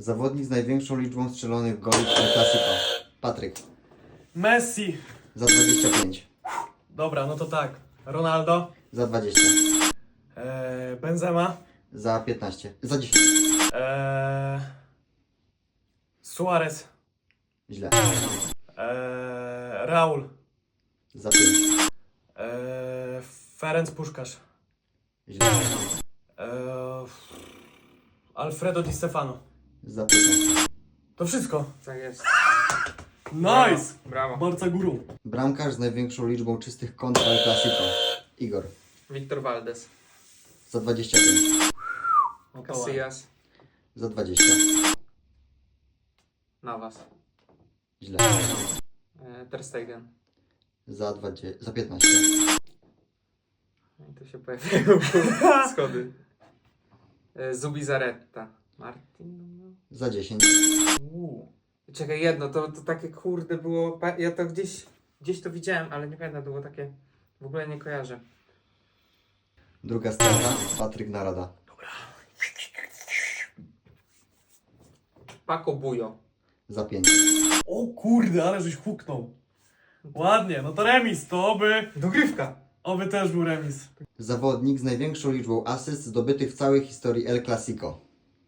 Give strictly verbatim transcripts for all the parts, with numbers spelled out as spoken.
Zawodnik z największą liczbą strzelonych goli w El Clasico. Patryk. Messi. Za dwadzieścia pięć. Dobra, no to tak. Ronaldo. Za dwadzieścia. Eee, Benzema. Za piętnaście. Za dziesięć. Eee, Suarez. Źle. Eee, Raul. Za pięć. Eee, Ferenc Puskás. Źle. Eee, Alfredo Di Stefano. Za piętnaście. To wszystko. Tak jest. Nice! Brawo. Barca górą. Bramkarz z największą liczbą czystych kont w El Clasico. Igor. Wiktor Valdez. Za dwadzieścia pięć. No to ładnie. Casillas. Za dwadzieścia. Navas. Źle. E, Ter Stegen. Za dwadzieścia. Za piętnaście. No i tu się pojawiają schody. E, Zubizarreta. Martin. no. Za dziesięć. Uuu. Czekaj, jedno, to, to takie kurde było. pa- Ja to gdzieś, gdzieś to widziałem, ale nie pamiętam, to było takie. W ogóle nie kojarzę. Druga strona. Patryk Narada. Paco Bujo. Za pięć. O kurde, ale żeś huknął. Ładnie, no to remis, to oby... Dogrywka. Oby też był remis. Zawodnik z największą liczbą asyst zdobytych w całej historii El Clasico.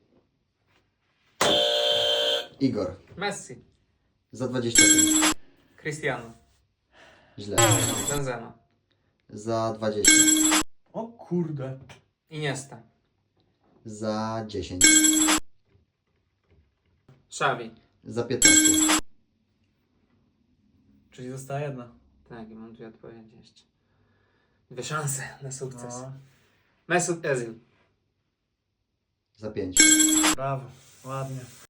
Igor. Messi. Za dwadzieścia pięć. Cristiano. Źle. Benzema. Za dwadzieścia. O kurde. Iniesta. Za dziesięć. Xavi. Za piętnaście. Czyli została jedna. Tak, i mam dwie odpowiedzi jeszcze. Dwie szanse na sukces. No, Mesut Özil. Za pięć. brawo, ładnie.